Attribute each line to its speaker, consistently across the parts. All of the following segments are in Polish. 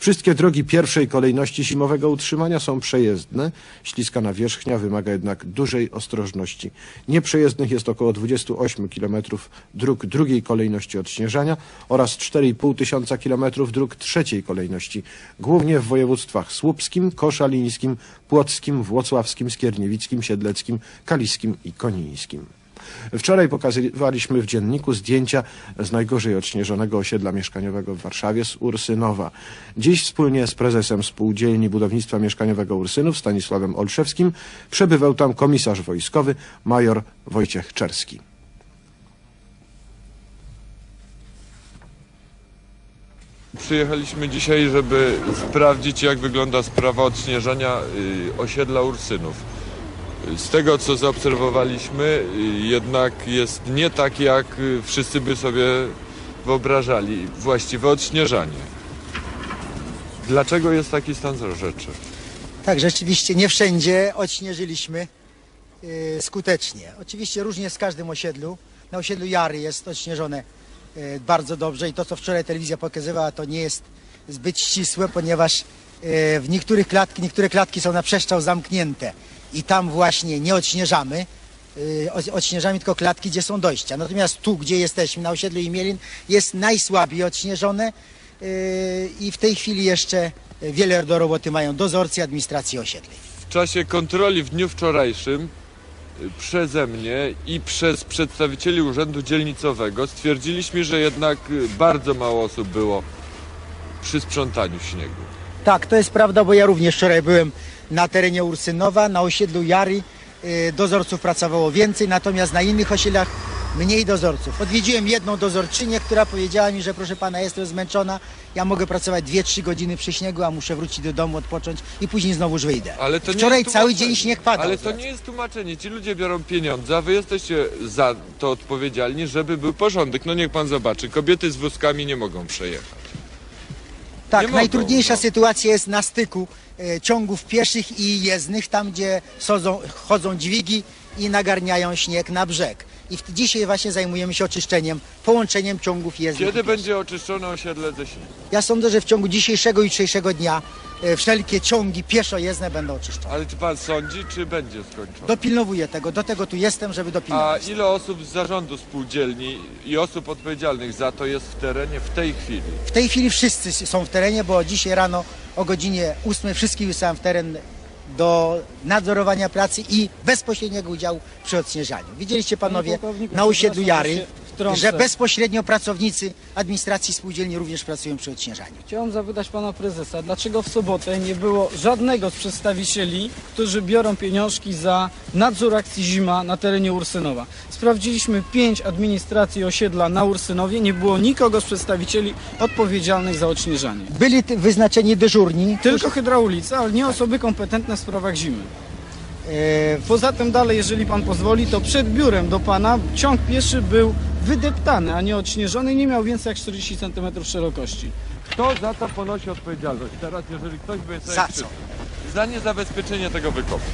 Speaker 1: Wszystkie drogi pierwszej kolejności zimowego utrzymania są przejezdne. Śliska nawierzchnia wymaga jednak dużej ostrożności. Nieprzejezdnych jest około 28 km dróg drugiej kolejności odśnieżania oraz 4,5 tysiąca kilometrów dróg trzeciej kolejności, głównie w województwach słupskim, koszalińskim, płockim, włocławskim, skierniewickim, siedleckim, kaliskim i konińskim. Wczoraj pokazywaliśmy w dzienniku zdjęcia z najgorzej odśnieżonego osiedla mieszkaniowego w Warszawie, z Ursynowa. Dziś wspólnie z prezesem Spółdzielni Budownictwa Mieszkaniowego Ursynów, Stanisławem Olszewskim, przebywał tam komisarz wojskowy major Wojciech Czerski.
Speaker 2: Przyjechaliśmy dzisiaj, żeby sprawdzić, jak wygląda sprawa odśnieżania osiedla Ursynów. Z tego, co zaobserwowaliśmy, jednak jest nie tak, jak wszyscy by sobie wyobrażali właściwe odśnieżanie. Dlaczego jest taki stan rzeczy?
Speaker 3: Tak, rzeczywiście nie wszędzie odśnieżyliśmy skutecznie. Oczywiście różnie jest w każdym osiedlu. Na osiedlu Jary jest odśnieżone bardzo dobrze i to, co wczoraj telewizja pokazywała, to nie jest zbyt ścisłe, ponieważ w niektóre klatki są na przestrzał zamknięte i tam właśnie nie odśnieżamy. Odśnieżamy tylko klatki, gdzie są dojścia. Natomiast tu, gdzie jesteśmy, na osiedlu Imielin, jest najsłabiej odśnieżone i w tej chwili jeszcze wiele do roboty mają dozorcy administracji osiedli.
Speaker 2: W czasie kontroli w dniu wczorajszym przeze mnie i przez przedstawicieli Urzędu Dzielnicowego stwierdziliśmy, że jednak bardzo mało osób było przy sprzątaniu śniegu.
Speaker 3: Tak, to jest prawda, bo ja również wczoraj byłem na terenie Ursynowa, na osiedlu Jary dozorców pracowało więcej, natomiast na innych osiedlach mniej dozorców. Odwiedziłem jedną dozorczynię, która powiedziała mi, że proszę pana, jestem zmęczona, ja mogę pracować 2-3 godziny przy śniegu, a muszę wrócić do domu, odpocząć i później znowuż wyjdę.
Speaker 2: Ale to
Speaker 3: wczoraj cały dzień śnieg padał.
Speaker 2: Ale to nie jest tłumaczenie. Ci ludzie biorą pieniądze, a wy jesteście za to odpowiedzialni, żeby był porządek. No niech pan zobaczy, kobiety z wózkami nie mogą przejechać.
Speaker 3: Tak, najtrudniejsza sytuacja jest na styku ciągów pieszych i jezdnych, tam gdzie chodzą dźwigi i nagarniają śnieg na brzeg. I dzisiaj właśnie zajmujemy się oczyszczeniem, połączeniem ciągów jezdnych.
Speaker 2: Kiedy będzie oczyszczone osiedle ze śniegu?
Speaker 3: Ja sądzę, że w ciągu dzisiejszego i jutrzejszego dnia wszelkie ciągi pieszo-jezdne będą oczyszczone.
Speaker 2: Ale czy pan sądzi, czy będzie skończone?
Speaker 3: Dopilnowuję tego, do tego tu jestem, żeby dopilnować.
Speaker 2: A ile osób z zarządu spółdzielni i osób odpowiedzialnych za to jest w terenie w tej chwili?
Speaker 3: W tej chwili wszyscy są w terenie, bo dzisiaj rano o godzinie 8 wszystkich wysłałem w teren do nadzorowania pracy i bezpośredniego udziału przy odśnieżaniu. Widzieliście panowie na osiedlu Jary, że bezpośrednio pracownicy administracji spółdzielni również pracują przy odśnieżaniu.
Speaker 4: Chciałem zapytać pana prezesa, dlaczego w sobotę nie było żadnego z przedstawicieli, którzy biorą pieniążki za nadzór akcji zima na terenie Ursynowa. Sprawdziliśmy 5 administracji osiedla na Ursynowie, nie było nikogo z przedstawicieli odpowiedzialnych za odśnieżanie.
Speaker 3: Byli wyznaczeni dyżurni.
Speaker 4: Tylko hydraulicy, ale nie osoby kompetentne w sprawach zimy. Poza tym dalej, jeżeli pan pozwoli, to przed biurem do pana ciąg pieszy był wydeptany, a nie odśnieżony i nie miał więcej jak 40 cm szerokości.
Speaker 2: Kto za to ponosi odpowiedzialność? Teraz, jeżeli ktoś by sobie
Speaker 3: Za co?
Speaker 2: Za niezabezpieczenie tego wykopu.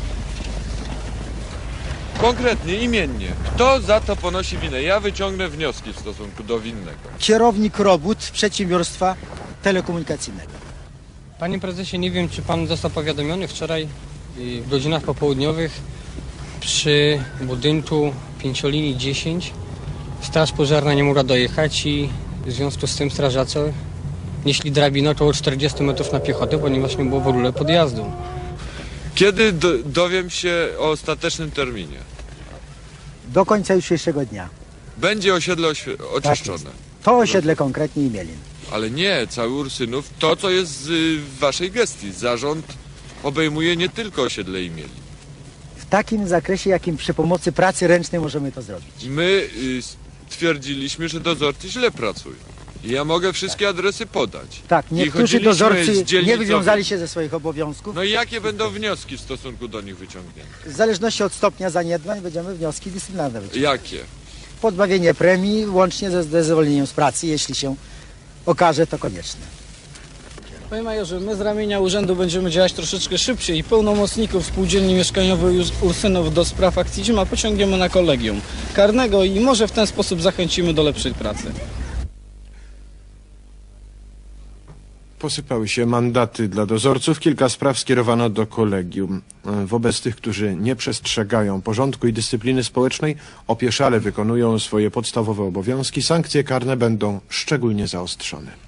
Speaker 2: Konkretnie, imiennie. Kto za to ponosi winę? Ja wyciągnę wnioski w stosunku do winnego.
Speaker 3: Kierownik robót przedsiębiorstwa telekomunikacyjnego.
Speaker 5: Panie prezesie, nie wiem, czy pan został powiadomiony wczoraj w godzinach popołudniowych przy budynku 5 linii 10 straż pożarna nie mogła dojechać i w związku z tym strażacy nieśli drabinę około 40 metrów na piechotę, ponieważ nie było w ogóle podjazdu.
Speaker 2: Kiedy dowiem się o ostatecznym terminie?
Speaker 3: Do końca jutrzejszego dnia.
Speaker 2: Będzie osiedle oczyszczone.
Speaker 3: Tak, to osiedle konkretnie Imielin.
Speaker 2: Ale nie, cały Ursynów, to co jest w waszej gestii. Zarząd obejmuje nie tylko osiedle Imielin.
Speaker 3: W takim zakresie, jakim przy pomocy pracy ręcznej możemy to zrobić.
Speaker 2: My stwierdziliśmy, że dozorcy źle pracują. I ja mogę wszystkie adresy podać.
Speaker 3: Tak, niektórzy dozorcy nie wywiązali się ze swoich obowiązków.
Speaker 2: No i jakie będą wnioski w stosunku do nich wyciągnięte?
Speaker 3: W zależności od stopnia zaniedbań będziemy wnioski dyscyplinarne wyciągać.
Speaker 2: Jakie?
Speaker 3: Pozbawienie premii łącznie ze zwolnieniem z pracy, jeśli się okaże to konieczne.
Speaker 4: Panie majorze, my z ramienia urzędu będziemy działać troszeczkę szybciej i pełnomocników spółdzielni mieszkaniowej Ursynów do spraw akcji zima pociągniemy na kolegium karnego i może w ten sposób zachęcimy do lepszej pracy.
Speaker 1: Posypały się mandaty dla dozorców. Kilka spraw skierowano do kolegium. Wobec tych, którzy nie przestrzegają porządku i dyscypliny społecznej, opieszale wykonują swoje podstawowe obowiązki, sankcje karne będą szczególnie zaostrzone.